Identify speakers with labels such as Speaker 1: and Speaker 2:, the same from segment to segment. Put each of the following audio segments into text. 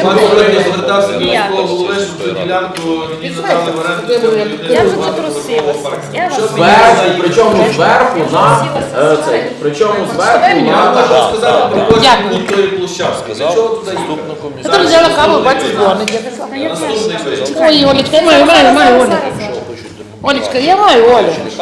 Speaker 1: звертався до міського голови, щоб цю ділянку мені надали в оренду.
Speaker 2: Я вже це просилася.
Speaker 3: Зверху, причому зверху на цей, причому зверху
Speaker 1: Я
Speaker 3: на...
Speaker 1: можу сказати про кожен пункт тої площадки. Для чого туди їхати?
Speaker 4: Я теж взяла каву, бачу, дзвонить.
Speaker 1: Наступний варіант.
Speaker 4: Ой, Олечка, я маю, Оля. Олечка, я маю, Оля.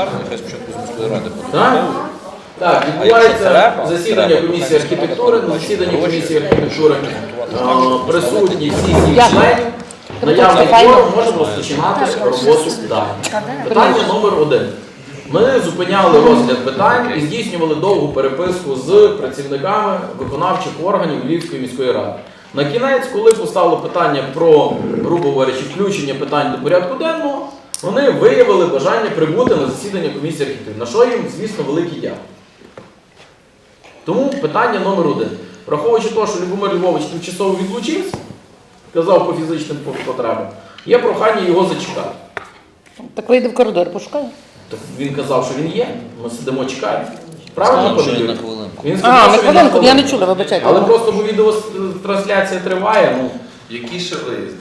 Speaker 3: Так? Так, відбувається засідання комісії архітектури. На засіданні комісії архітектури присутні всі 7 членів. Наявний форум, можемо розпочинати роботу далі. Питання номер 1. Ми зупиняли розгляд питань і здійснювали довгу переписку з працівниками виконавчих органів Львівської міської ради. На кінець, коли постало питання про, грубо говорячи, включення питань до порядку денного, вони виявили бажання прибути на засідання комісії архітектури, на що їм, звісно, великий дякую. Тому питання номер 1. Враховуючи те, що Любомир Львович тимчасово відлучився, казав по фізичним потребам, є прохання його зачекати.
Speaker 4: Так вийде в коридор, пошукай.
Speaker 3: Так він казав, що він є, ми сидимо, чекаємо. Правильно, пане Юрій? Він
Speaker 4: А,
Speaker 3: сказав,
Speaker 4: на
Speaker 3: що він
Speaker 4: хвилинку, я не
Speaker 3: хвилинку.
Speaker 4: чула, вибачайте.
Speaker 3: Але просто бо відеотрансляція триває, ну...
Speaker 1: Які ще виїзди?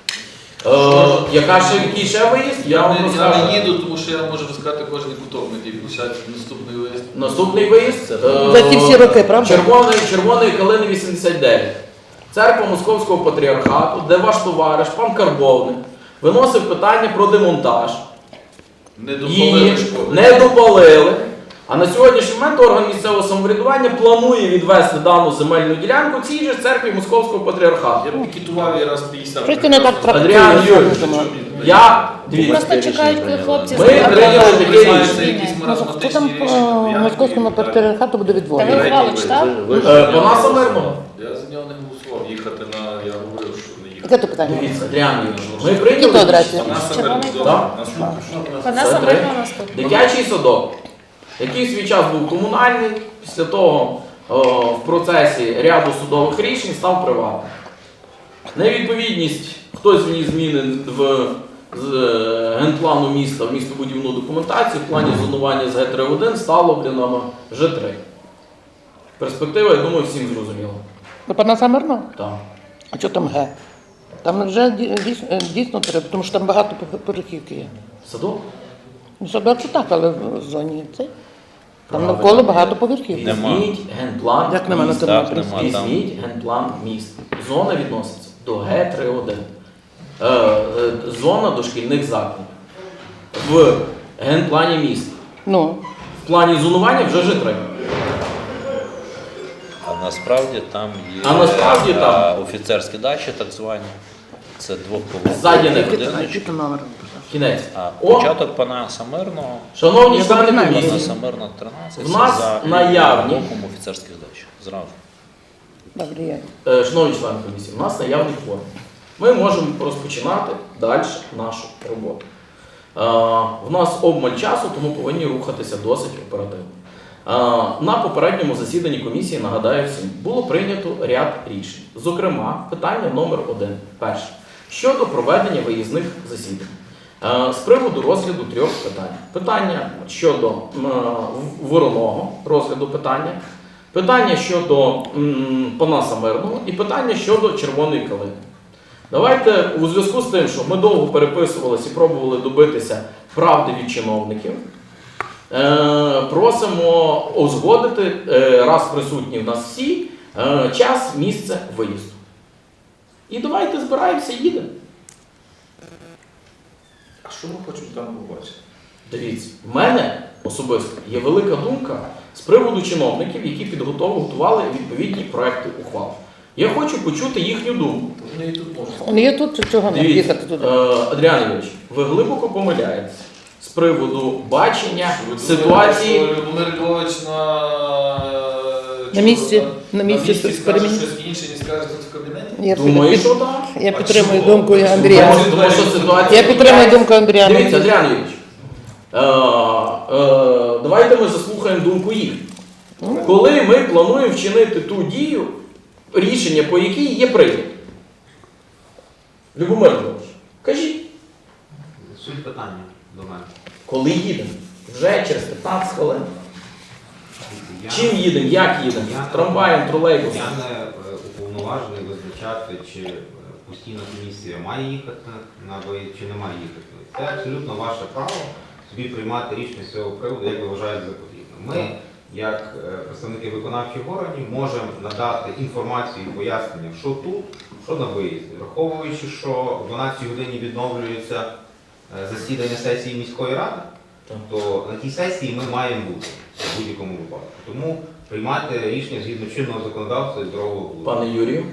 Speaker 3: Який ще виїзд? Я вам
Speaker 1: Я
Speaker 3: розкажу.
Speaker 1: не їду, тому що я можу розказати кожен куток на тій площадці. Наступний виїзд.
Speaker 3: Наступний виїзд.
Speaker 4: За ті всі роки, правда?
Speaker 3: Червоної калини 89. Церква Московського патріархату, де ваш товариш, пан Карбовник, виносив питання про демонтаж.
Speaker 1: Не допалили
Speaker 3: Її
Speaker 1: школи.
Speaker 3: не допалили. А на сьогоднішній момент орган місцевого самоврядування планує відвести дану земельну ділянку цій же церкві Московського патріархату.
Speaker 1: Я б пікетував її раз 50.
Speaker 4: Щось ти не так
Speaker 3: Адріан Юрійович, я
Speaker 2: Просто чекають, коли хлопці
Speaker 3: Ми прийняли таке рішення.
Speaker 1: Це якісь
Speaker 4: Хто там
Speaker 1: маразматичні
Speaker 4: по
Speaker 1: рішення.
Speaker 4: московському патріархату буде
Speaker 2: Та
Speaker 4: відводити?
Speaker 2: ви ухвалу читав?
Speaker 3: Пана Самирного.
Speaker 1: Я за нього не голосував. Їхати на... Я говорив, що не їхати.
Speaker 4: Яке то питання?
Speaker 3: Дивіться, Адріан Юрійович, ми
Speaker 4: Які то
Speaker 3: прийняли
Speaker 4: адресі?
Speaker 1: Вона себе
Speaker 2: Червоний
Speaker 1: вдома.
Speaker 3: кут.
Speaker 1: Наступний.
Speaker 2: Вона
Speaker 3: Це
Speaker 2: сама
Speaker 3: три.
Speaker 2: наступна.
Speaker 3: Дитячий садок, який в свій час був комунальний, після того в процесі ряду судових рішень став приватним. Невідповідність, хтось вніс зміни з генплану міста в містобудівну документацію, в плані зонування з Г3-1 стало на Ж3. Перспектива, я думаю, всім зрозуміла.
Speaker 4: До пана Самирного?
Speaker 3: Так.
Speaker 4: А що там Г? Там вже дійсно треба, тому що там багато поверхівки є.
Speaker 3: Садок?
Speaker 4: Ну, садок це так, але в зоні цей. Там навколо багато поверхівки.
Speaker 3: Візьміть генплан
Speaker 4: Як нема на
Speaker 3: міста.
Speaker 4: тому
Speaker 5: Так, нема там.
Speaker 3: Візьміть генплан міста. Зона відноситься до Г3-1. Зона дошкільних закладів. В генплані міста.
Speaker 4: Ну,
Speaker 3: В плані зонування вже Ж3.
Speaker 5: А насправді там є
Speaker 3: А насправді там.
Speaker 5: офіцерські дачі, так звані. Це двохповерхові
Speaker 3: Ззаді не
Speaker 5: будиночки.
Speaker 4: який номер?
Speaker 3: Кінець.
Speaker 5: А
Speaker 3: О,
Speaker 5: початок пана Самирного,
Speaker 3: шановні
Speaker 4: Я
Speaker 3: члени
Speaker 4: запитаю.
Speaker 5: пана
Speaker 3: комісії,
Speaker 5: Самирна 13,
Speaker 3: В нас
Speaker 5: за
Speaker 3: наявні.
Speaker 5: боком офіцерських дач. Зразу.
Speaker 4: Добре, я.
Speaker 3: шановні члени комісії, у нас наявний форм. Ми можемо розпочинати далі нашу роботу. В нас обмаль часу, тому повинні рухатися досить оперативно. На попередньому засіданні комісії, нагадаю всім, було прийнято ряд рішень. Зокрема, питання номер 1. Перше. Щодо проведення виїзних засідань. З приводу розгляду 3 питань. Питання щодо вороного розгляду питання, питання щодо пана Самирного і питання щодо червоної калини. Давайте у зв'язку з тим, що ми довго переписувалися і пробували добитися правди від чиновників, просимо узгодити, раз присутні в нас всі, час, місце виїзду. І давайте збираємося і їдемо.
Speaker 1: А що ми хочемо там побачити?
Speaker 3: Дивіться, в мене особисто є велика думка з приводу чиновників, які підготували відповідні проекти ухвал. Я хочу почути їхню думку.
Speaker 1: Вони і тут можуть.
Speaker 4: Вони є тут, чи чого нам
Speaker 3: Дивіться,
Speaker 4: їхати туди?
Speaker 3: Адріан Ігорович, ви глибоко помиляєтесь з приводу бачення ситуації.
Speaker 1: Любомир Львович
Speaker 4: На місці, на
Speaker 1: місці
Speaker 4: місці
Speaker 1: скаже
Speaker 4: переміни.
Speaker 1: щось інше, ніж скаже тут в кабінеті?
Speaker 4: Я
Speaker 3: Думаю, що так.
Speaker 4: Я підтримую
Speaker 1: чого?
Speaker 4: думку Андрія.
Speaker 3: Тому що ситуація
Speaker 4: Я підтримую думку Андрія.
Speaker 3: Дивіться, Адріан Ігорович, давайте ми заслухаємо думку їх. Коли ми плануємо вчинити ту дію, рішення по якій є прийнято. Любомир Львович, кажіть.
Speaker 6: Суть питання до мене.
Speaker 3: Коли їдемо? Вже через 15 хвилин.
Speaker 6: Я-
Speaker 3: Чим їдемо? Як їдемо? Трамваєм, тролейбусом?
Speaker 6: Я не уповноважений визначати, чи постійна комісія має їхати на виїзд, чи не має їхати. Це абсолютно ваше право собі приймати рішення з цього приводу, як ви вважаєте за потрібне. Ми, як представники виконавчих органів, можемо надати інформацію і пояснення, що тут, що на виїзді. Враховуючи, що о 12 годині відновлюється засідання сесії міської ради, то на тій сесії ми маємо бути в будь-якому випадку. Тому приймати рішення згідно чинного законодавства і здорового глузду.
Speaker 3: Пане Юрію.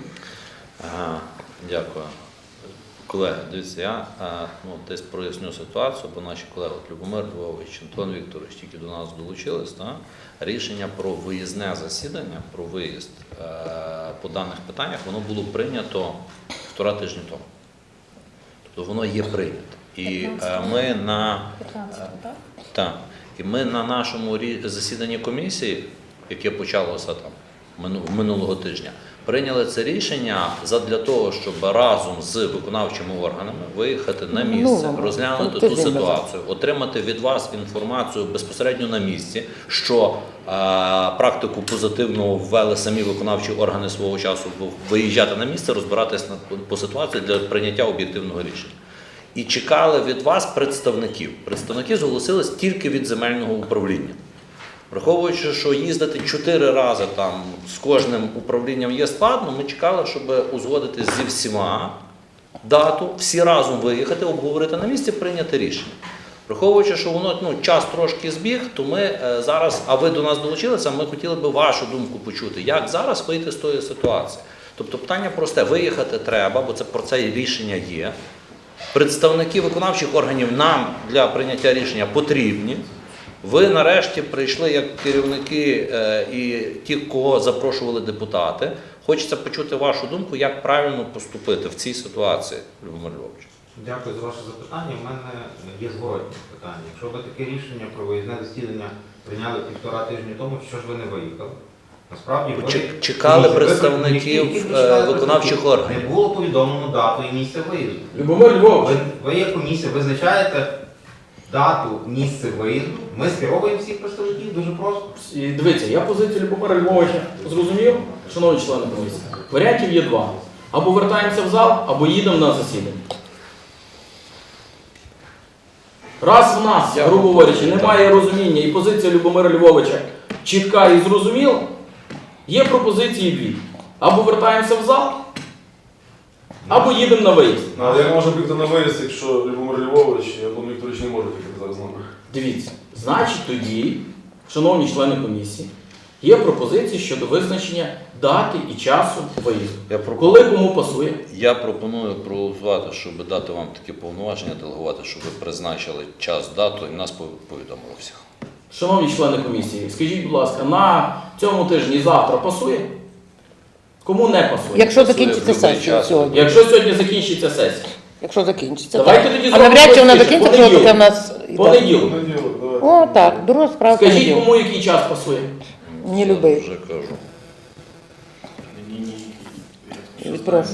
Speaker 5: Дякую. Колеги, дивіться, я десь проясню ситуацію, бо наші колеги Любомир Львович, Антон Вікторович тільки до нас долучились. Рішення про виїзне засідання, про виїзд по даних питаннях, воно було прийнято 1,5 тижня тому. Тобто воно є прийнято. І ми на
Speaker 2: 15, так?
Speaker 5: Так. І ми на нашому засіданні комісії, яке почалося там минулого тижня, прийняли це рішення задля того, щоб разом з виконавчими органами виїхати на місце, розглянути ту ситуацію, отримати від вас інформацію безпосередньо на місці, що практику позитивно ввели самі виконавчі органи свого часу виїжджати на місце, розбиратися по ситуації для прийняття об'єктивного рішення. І чекали від вас представників. Представники зголосились тільки від земельного управління. Враховуючи, що їздити 4 рази там з кожним управлінням є складно, ми чекали, щоб узгодити зі всіма дату, всі разом виїхати, обговорити на місці, прийняти рішення. Враховуючи, що воно час трошки збіг, то ми зараз, а ви до нас долучилися, ми хотіли б вашу думку почути, як зараз вийти з тої ситуації. Тобто питання просте, виїхати треба, бо про це рішення є. Представники виконавчих органів нам для прийняття рішення потрібні. Ви нарешті прийшли як керівники і ті, кого запрошували депутати. Хочеться почути вашу думку, як правильно поступити в цій ситуації, Любомир Львович.
Speaker 6: Дякую за ваше запитання. У мене є зворотне питання. Якщо ви таке рішення про виїзне засідання прийняли 1,5 тижні тому, що ж ви не виїхали? Насправді ви
Speaker 5: чекали представників виконавчих органів.
Speaker 6: Не було повідомлено дату і місце виїзду.
Speaker 3: Любомир Львович.
Speaker 6: Ви як комісія визначаєте дату, місце виїзду. Ми скеровуємо всіх представників дуже просто.
Speaker 3: І дивіться, я позицію Любомира Львовича зрозумів, шановні члени комісії. Варіантів є 2. Або вертаємося в зал, або їдемо на засідання. Раз в нас, грубо говорячи, немає розуміння і позиція Любомира Львовича чітка і зрозуміла, є пропозиції 2. Або вертаємося в зал, або їдемо на виїзд.
Speaker 7: А як може бути на виїзд, якщо Любомир Львович і Антон Вікторович не можуть їхати зараз з нами?
Speaker 3: Дивіться, значить тоді, шановні члени комісії, є пропозиції щодо визначення дати і часу виїзду. Коли кому пасує?
Speaker 5: Я пропоную проголосувати, щоб дати вам такі повноваження, делегувати, щоб ви призначили час, дату і нас повідомили всіх.
Speaker 3: Шановні члени комісії, скажіть, будь ласка, на цьому тижні завтра пасує? Кому не пасує?
Speaker 4: Якщо
Speaker 5: Пасує
Speaker 4: закінчиться
Speaker 5: в будь-який
Speaker 4: сесія
Speaker 5: час.
Speaker 4: сьогодні.
Speaker 3: Якщо сьогодні закінчиться сесія.
Speaker 4: Якщо закінчиться,
Speaker 3: Давайте
Speaker 4: так.
Speaker 3: тоді
Speaker 4: А
Speaker 3: зробимо
Speaker 4: навряд чи вона
Speaker 3: простіше.
Speaker 4: закінчиться, тому таке в нас...
Speaker 3: Понеділок.
Speaker 7: Понеділок, давайте.
Speaker 4: О, так, друга справа
Speaker 3: Скажіть,
Speaker 4: понеділок.
Speaker 3: кому який час пасує?
Speaker 4: Не любий.
Speaker 5: Вже кажу.
Speaker 4: Прошу.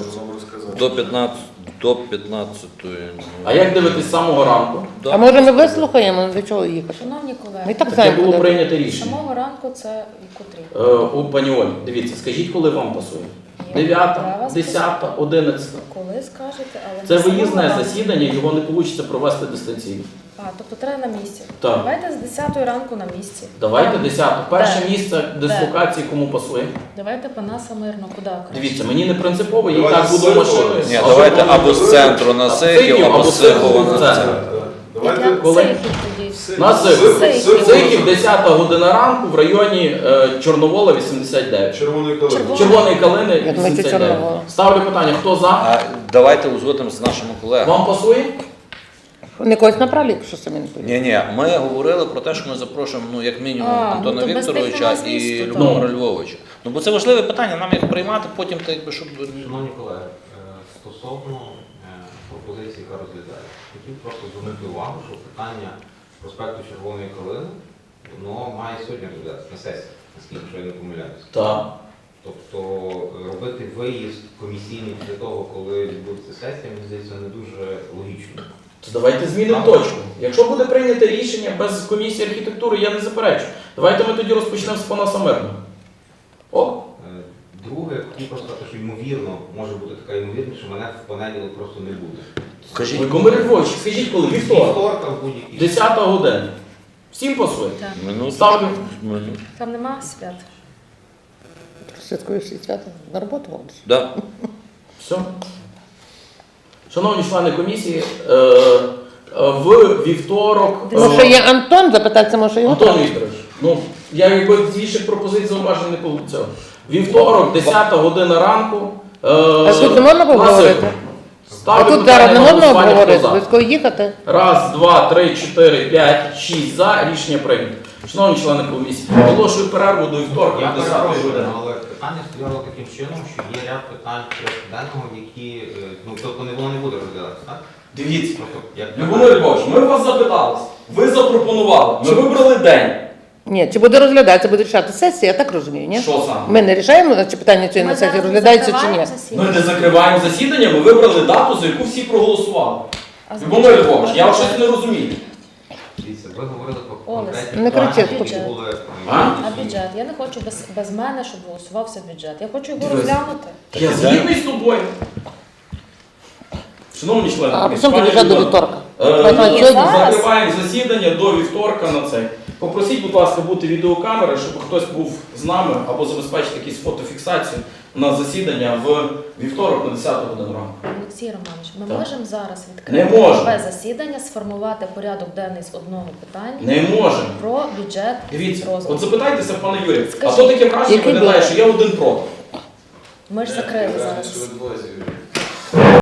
Speaker 5: До 15-ї.
Speaker 3: А як дивитись з самого ранку?
Speaker 4: А може ми вислухаємо, для чого їхати?
Speaker 2: Шановні
Speaker 4: Ми
Speaker 2: колеги,
Speaker 4: так
Speaker 3: Таке
Speaker 4: знаємо,
Speaker 3: було
Speaker 4: куди.
Speaker 3: прийнято
Speaker 2: з
Speaker 3: рішення.
Speaker 2: самого ранку це і котрі?
Speaker 3: Пані Оль, дивіться, скажіть, коли вам пасує?
Speaker 2: Я
Speaker 3: 9,
Speaker 2: вас
Speaker 3: 10, 11.
Speaker 2: Коли скажете, але
Speaker 3: Це
Speaker 2: не з самого
Speaker 3: виїзне
Speaker 2: ранку.
Speaker 3: засідання, його не вийде провести дистанційно.
Speaker 2: А, тобто треба на місці.
Speaker 3: Так.
Speaker 2: Давайте з 10 ранку на місці.
Speaker 3: Давайте
Speaker 2: Там.
Speaker 3: 10. Перше
Speaker 2: Де?
Speaker 3: місце дислокації кому пасує.
Speaker 2: Давайте Панаса Мирно, куди краще?
Speaker 3: Дивіться, мені не принципово, я і
Speaker 7: Давайте
Speaker 3: так буду
Speaker 7: Сихова.
Speaker 3: машиною.
Speaker 5: Ні, давайте або з центру на Сихів, або з Сихова на
Speaker 3: центр.
Speaker 5: центр.
Speaker 7: Давайте.
Speaker 2: Як
Speaker 3: коли?
Speaker 2: Сихів тоді?
Speaker 3: На Сихів.
Speaker 2: Сихів.
Speaker 3: Сихів 10 година ранку в районі Чорновола 89.
Speaker 7: Червоної калини.
Speaker 3: Червоної калини
Speaker 4: Я думаю, це
Speaker 3: 89.
Speaker 4: Чорновола.
Speaker 3: Ставлю питання, хто за?
Speaker 5: А давайте узгодимо з нашими колегами.
Speaker 3: Вам пасує?
Speaker 4: Не когось направлю, якщо самі не поїдуть.
Speaker 5: Ні, ми говорили про те, що ми запрошуємо, як мінімум, Антона
Speaker 2: ну, то без тих
Speaker 5: Вікторовича
Speaker 2: у нас
Speaker 5: і
Speaker 2: місто,
Speaker 5: Любомира Львовича. Бо це важливе питання, нам їх приймати, потім так якби щоб.
Speaker 6: Шановні колеги, стосовно пропозиції, яка розглядається, хотів просто звернути увагу, що питання проспекту Червоної Калини, воно має сьогодні розглядатися на сесії, наскільки що я не помиляюся.
Speaker 3: Так.
Speaker 6: Тобто робити виїзд комісійний після того, коли відбудеться сесія, мені здається, не дуже логічно.
Speaker 3: То давайте змінимо точку. Якщо буде прийнято рішення без комісії архітектури, я не заперечу. Давайте ми тоді розпочнемо з Панаса Мирного. О,
Speaker 6: Друге, хотів просто сказати, що ймовірно, може бути така ймовірність, що мене в понеділок просто не буде.
Speaker 5: Кажіть,
Speaker 3: Любомир Львович, скажіть, коли? Вівторок.
Speaker 6: Вівторка в будь-якій.
Speaker 3: 10 година. Всім пасує?
Speaker 2: Так.
Speaker 5: минуту.
Speaker 3: Ставлю.
Speaker 2: Там нема свят.
Speaker 4: Святкуєш і свято на роботу ходиш.
Speaker 5: Да.
Speaker 3: Все. Шановні члени комісії, в вівторок...
Speaker 4: Може є Антон, запитатися, може його?
Speaker 3: Антон Вікторович, ну, я якби більших пропозицій зауважень не получив. Вівторок, 10 година ранку.
Speaker 4: А тут не можна поговорити? А
Speaker 3: Ставлю
Speaker 4: тут
Speaker 3: питання
Speaker 4: зараз не
Speaker 3: на
Speaker 4: можна
Speaker 3: голосування, хто
Speaker 4: обговорити,
Speaker 3: за.
Speaker 4: близько їхати.
Speaker 3: Раз, два, три, чотири, п'ять, 6 за. Рішення прийнято. Шановні члени комісії, оголошую перерву до вівторка,
Speaker 6: Я
Speaker 3: 10
Speaker 6: перепрошую,
Speaker 3: години.
Speaker 6: але питання стояло таким чином, що є ряд питань порядку денного, які, ну, тобто воно не буде розглядатися, так?
Speaker 3: Дивіться,
Speaker 6: Просто як
Speaker 3: Любомир Львович, ми вас запитались, ви запропонували, ми вибрали день.
Speaker 4: Ні, чи буде розглядатися, буде рішати сесія, я так розумію, ні?
Speaker 3: Що саме?
Speaker 4: Ми не рішаємо, чи питання цієї на сесії розглядається чи ні?
Speaker 3: Ми не закриваємо засідання, ми вибрали дату, за яку всі проголосували.
Speaker 2: А
Speaker 3: Любомир Львович, я вас щось не розумію.
Speaker 6: Дивіться, ви говорили про
Speaker 2: Олесь,
Speaker 6: конкретні
Speaker 4: не
Speaker 6: питання,
Speaker 4: кричіть,
Speaker 6: які
Speaker 2: бюджет.
Speaker 6: були.
Speaker 3: А?
Speaker 2: А бюджет? Я не хочу без мене, щоб голосувався бюджет. Я хочу його
Speaker 3: Дивись.
Speaker 2: розглянути.
Speaker 3: Я згідний з тобою. Шановні члени,
Speaker 4: А
Speaker 3: комісії,
Speaker 4: при чому
Speaker 3: пані
Speaker 4: бюджет до
Speaker 3: Людмила,
Speaker 4: вівторка?
Speaker 3: ми
Speaker 2: Ні,
Speaker 3: сьогодні
Speaker 2: зараз.
Speaker 3: закриваємо засідання до вівторка на цей. Попросіть, будь ласка, бути відеокамери, щоб хтось був з нами або забезпечити якусь фотофіксацію на засідання в вівторок на 10 годину ранку.
Speaker 2: Олексій Романович, ми
Speaker 3: Так.
Speaker 2: можемо зараз
Speaker 3: Не
Speaker 2: відкрити
Speaker 3: можемо.
Speaker 2: нове засідання, сформувати порядок денний з одного питання
Speaker 3: Не можемо.
Speaker 2: про бюджет
Speaker 3: Дивіться,
Speaker 2: розвитку.
Speaker 3: от запитайтеся, пане Юрію, а
Speaker 2: Скажіть,
Speaker 3: то таке враження
Speaker 4: який
Speaker 3: виглядає,
Speaker 4: бюджет?
Speaker 3: що я один проти.
Speaker 2: Ми ж закрили зараз.
Speaker 1: Що відбувається?